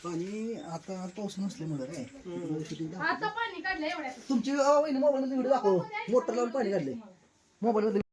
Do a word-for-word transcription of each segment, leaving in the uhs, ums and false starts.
पाणी आता पाऊस नसल्यामुळे काय आता पाणी काढलं एवढ्या तुमची मोबाईल मध्ये व्हिडिओ दाखव मोटर लावून पाणी काढले मोबाईल मध्ये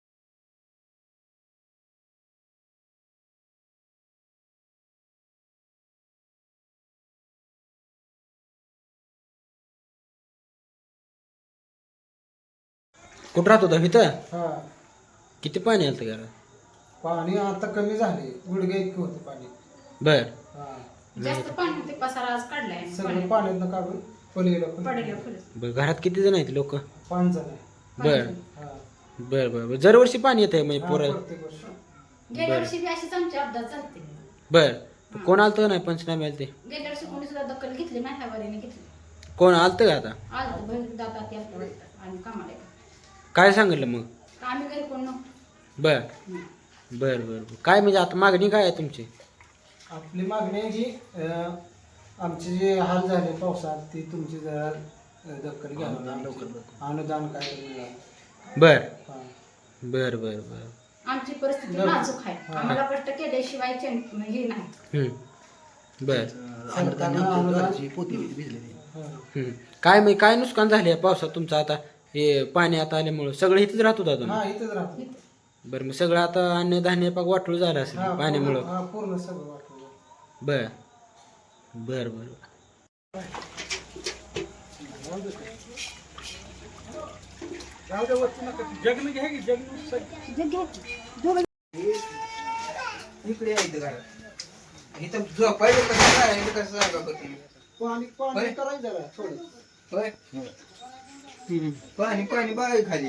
कुठं राहत होता इथं? हा किती पाणी आलं घरात? पाणी आता कमी झाले गुडघे इतके होते पाणी. बर हा जास्त पाणी ते पसारा आज काढलाय सगळं पाण्यातनं काढून पलीकडे पडलं फुल बर घरात किती जण आहेत लोक? पाच जण आहे. बर हा बर बर बर दरवर्षी पाणी येत आहे म्हणजे हा, पोरा प्रत्येक वर्षी. गेल्या वर्षी बी अशीच आमची अपघात झालते बर कोण आलत नाही पंचनामे आलते? गेल्या वर्षी कोणी सुद्धा दखल घेतली नाही ह्या वारीने घेतली कोण आलत का आता? आलं बहीण जातात ते आपल्या वाटतं आणि कामाला येतात. काय सांगितलं मग? आम्ही घरी कोण नव्हतो बर बर बर बर. काय म्हणजे आता मागणी काय आहे तुमची? आपली मागणी आहे की अं, आमचे जे हाल झाले पावसात ती तुमची जरा अं, दखल घ्या अनुदान काय तरी मिळालं. बर हा. बर बर बर आमची परिस्थिती नाजूक आहे आम्हाला कष्ट केल्याशिवाय चैन- हे नाही हम्म बर अनुदान पोती भिजलेली हा. हम्म. काय म्हणजे काय नुकसान झाले या पावसात तुमचं आता हे पाणी आता आल्यामुळं सगळं इथेच राहत होता तुम्ही? हा इथंच राहतो. बरं मग सगळं आता अन्नधान्य पाक वाटूळ झालं असेल हा, पाण्यामुळं? पूर्ण- हा पूर्ण सगळं वाटलं. बर बर बर इकडे यायचं घरात इथं झोपायचं कसं राहायचं कसं सांगा बरं तुम्ही. पाणी पाणी करायचं जरा थोडं. होय पाणी पाणी बाय खाली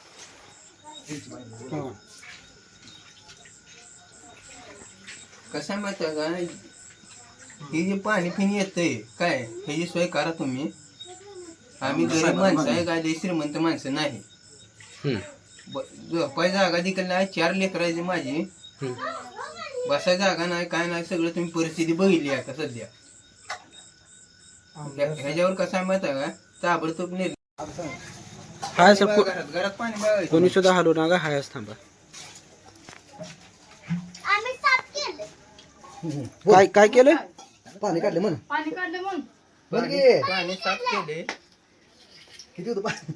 कसं माहिती आहे का हे जे पाणी फिनी येतंय काय ह्याची सोय करा तुम्ही. आम्ही गरीब माणसं आहे काय लई श्रीमंत माणसं नाही. हम्म. ब- झोपाय जागा देखील नाही चार लेकरायची माझी हम्म. बसाय जागा नाही काय नाही सगळं तुम्ही परिस्थिती बघितली आता सध्या. ह्या- ह्याच्यावर कसं आहे माहिती आहे का ताबडतोब नेल हाय सर को- घरात घरात पाणी बघायचं कोणी सुद्धा हलू नका हायच थांबा. काय काय केलं? पाणी काढले म्हण पाणी काढलं म्हणून बरं की? पाणी पाणी साफ केले. किती होतं पाणी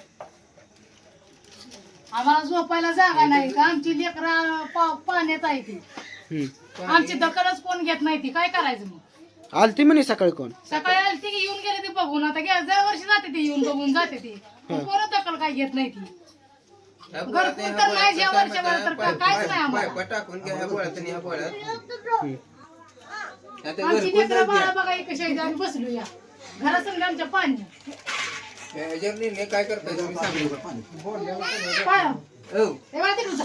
आम्हाला झोपायला जागा नाही का आमची लेकरा पाण्यात आहे ती हम्म. आमची दखलच कोण घेत नाही ती काय करायचं मग आलती म्हणे सकाळी कोण? सकाळी आली ती की येऊन गेले ते बघून आता गे- दर वर्षी जाते ती येऊन बघून जाते ती पण कोण दखल काय घेत नाही ती ह्या घरकुल बोळात- तर ह्या नाही, बोळात ज्या कसं आहे वर्षभर माहिती तर आहे? पाय- काहीच पाय- नाही आम्हाला. पाय- पाय टाकून घ्या ह्या बोळात आणि ह्या बोळात. हम्म. आता आमची घरकुल लेकरं तर बाळा द्या. बघा कशा आहेत आम्ही बसलो या घरासंग आमच्या पाणी ह्याच्यावर निर्णय काय करताय तुम्ही सांगा. पाणी पाय हो हे बघा तिकडं जा.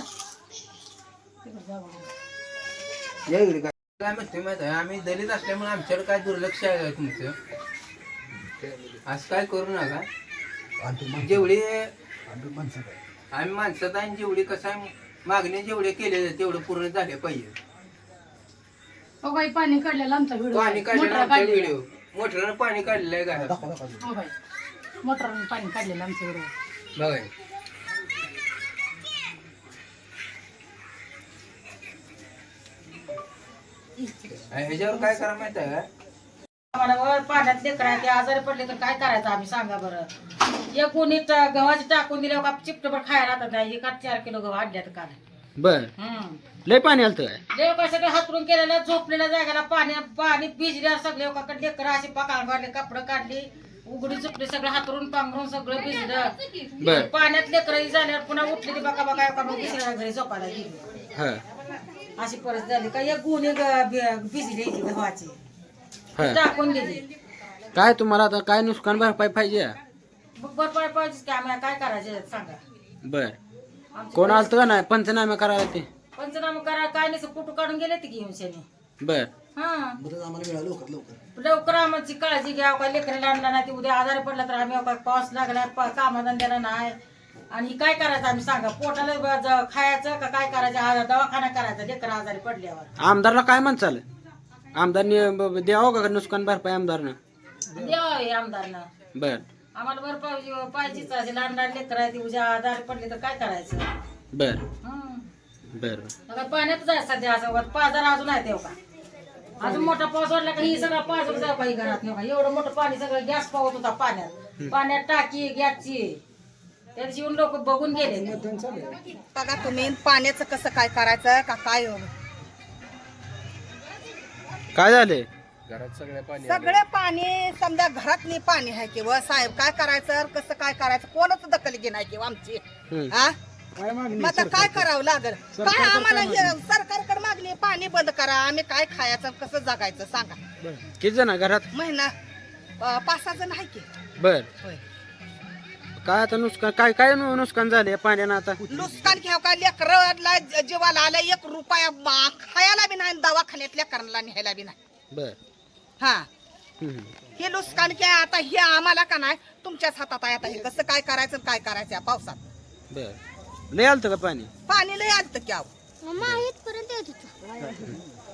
या इकडे काय काय म्हणते माहिती आहे आम्ही दलित असल्यामुळे आमच्याकडे काय दुर्लक्ष आहे का तुमचं असं काय करू नका. जेवढी माणसं काय आम्ही माणसात आहे जेवढी कसं आहे मागणी जेवढे केले तेवढं पूर्ण झाले पाहिजे. हो बाई पाणी काढलेलं आमचा व्हिडिओ पाणी काढलेलं आमचा व्हिडिओ मोटरनं पाणी काढलेलं आहे घरात दाखवा दाखवा हो बाई मोटरने पाणी काढलेलं आमच्या व्हिडिओ बघा. आणि ह्याच्यावर काय करा माहिती आहे का आम्हाला वर पाण्यात लेकरं ते आजारी पडले तर काय करायचं आम्ही सांगा बरं. एक कोणी टा- गव्हाचे टाकून दिल्यावर का चिपटभर खायला राहतात नाही एका चार किलो गहू आणल्यात काल. बर हम्म लय पाणी आलत काय? देव काय सगळं हातरून केलेलं झोपलेल्या जागेला पाणी पाणी भिजल्या सगळे एकाकडे लेकरं अशी पकाळ काढले कपडे काढली उघडी चुपडी सगळं हातरून पांघरून सगळं भिजलं. बर पाण्यात लेकरं झाल्यावर पुन्हा उठली ती बका बका एका मग दुसऱ्या घरी झोपायला गेली. हा अशी परिस्थिती झाली का एक गुन्हे भिजली यायची गव्हाची हा टाकून दिली. काय तुम्हाला आता काय नुकसान भरपाई पाहिजे? मग बरं पाहिजे की आम्ही काय करायचे सांगा. बर आमची कोण आलत का नाही पंचनामे करायला ते? पंचनामा करा काय नाही कुठं काढून गेले ते घेऊन शनी. बर हा बरं आम्हाला मिळालं लवकर लवकर लवकर आम्हाची काळजी घ्या काय लेकराला आणला नाही ते उद्या आजारी पडला तर आम्ही काय पाऊस लागला कामाधंद्याला नाही आणि काय करायचं आम्ही सांगा पोटाला ब- ज- खायचं का काय करायचं आ- दवाखाना करायचा लेकर आजारी पडल्यावर. आमदारला काय म्हणचाल? आमदारने ब- ब- द्यावं का नुकसान भरपाई आमदारनं? द्यावं आमदारनं बर आम्हाला बरं पाहिजे पाहिजेच आहे. लहान लहान लेकर आहे ती उद्या आजारी पडली तर काय करायचं. बर हं. बर आता पाण्यात जायचं सध्या असं पाजार अजून आहे तेव्हा अजून मोठा पाऊस वाढला का ही सगळं पाच जाऊ काही घरात नाही बघा. एवढं मोठं पाणी सगळं गॅस पावत होता पाण्यात पाण्यात टाकी गॅसची त्या दिवशी येऊन लोक बघून गेले. बघा तुम्ही पाण्याचं कसं काय करायचं का काय काय झाले सगळे पाणी समजा घरातली पाणी आहे किंवा साहेब काय करायचं कसं काय करायचं कोणच दखल घेणार किंवा आमची हा मग आता काय करावं लागल काय आम्हाला हे सरकारकडे मागणी पाणी बंद करा आम्ही काय खायचं कसं जगायचं सांगा. किती जण घरात? महिना अं, पाच सहा जण आहे की. बर होय. काय आता नुकसान काय काय नु- नुकसान झाले पाण्यानं आता? नुकसान घ्याव का लेकरला जीवाला आला एक रुपया मा- खायला बी नाही दवाखान्यात लेकरांना न्यायला बी नाही. बर हा हम्म. हे नुकसान काय आता हे आम्हाला का नाही तुमच्याच हातात आहे. आता हे कसं काय करायचं आणि काय करायचं या पावसात. बर लय आलतं का पाणी? पाणी लय आलतं की अहो. मग इथपर्यंत येत होतं.